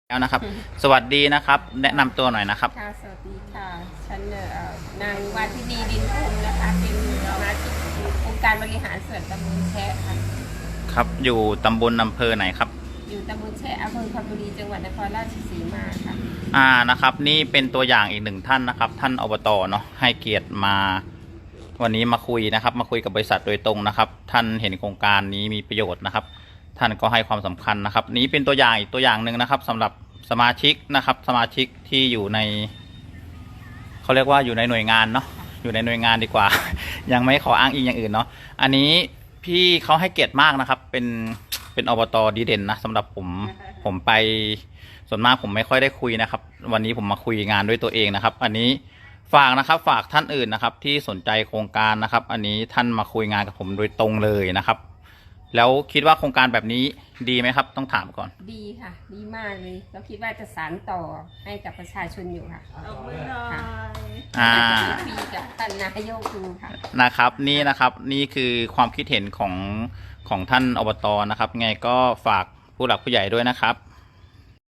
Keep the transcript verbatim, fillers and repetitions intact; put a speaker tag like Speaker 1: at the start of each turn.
Speaker 1: แล้วนะครับสวัสดีนะครับแนะนำตัวหน่อยนะครับ
Speaker 2: ค่ะสวัสดีค่ะฉันเอ่อนางวาทินีดินพงศ์นะคะเป็นสมาชิกองค์การบริหารส่วนตำบลแชะค่ะ
Speaker 1: ครับอยู่ตำบลอำเภอไหนครับ
Speaker 2: อยู่ตำบลแชะอำเภอคำบุรีจังหวัดนครราชสีมาค่ะ
Speaker 1: อ่านะครับนี่เป็นตัวอย่างอีกหนึ่งท่านนะครับท่านอบตเนาะให้เกียรติมาวันนี้มาคุยนะครับมาคุยกับบริษัทโดยตรงนะครับท่านเห็นโครงการนี้มีประโยชน์นะครับท่านก็ให้ความสำคัญนะครับนี้เป็นตัวอย่างอีกตัวอย่างหนึ่งนะครับสำหรับสมาชิกนะครับสมาชิกที่อยู่ในเขาเรียกว่าอยู่ในหน่วยงานเนาะอยู่ในหน่วยงานดีกว่า ยังไม่ขออ้างอิงอย่างอื่นเนาะอันนี้พี่เขาให้เกียรติมากนะครับเป็นเป็นอบตดีเด่นนะสำหรับผมผมไปส่วนมากผมไม่ค่อยได้คุยนะครับวันนี้ผมมาคุยงานด้วยตัวเองนะครับอันนี้ฝากนะครับฝากท่านอื่นนะครับที่สนใจโครงการนะครับอันนี้ท่านมาคุยงานกับผมโดยตรงเลยนะครับแล้วคิดว่าโครงการแบบนี้ดีไหมครับต้องถามก่อน
Speaker 2: ดีค่ะดีมากเลยเราคิดว่าจะสานต่อให้กับประชาชนอยู่ค่ะ
Speaker 3: เอามือหน่อย
Speaker 1: อ่า
Speaker 2: ปีกับท่านนายกดูค่ะ
Speaker 1: นะครับนี่นะครับนี่คือความคิดเห็นของของท่านอบตนะครับไงก็ฝากผู้หลักผู้ใหญ่ด้วยนะครับ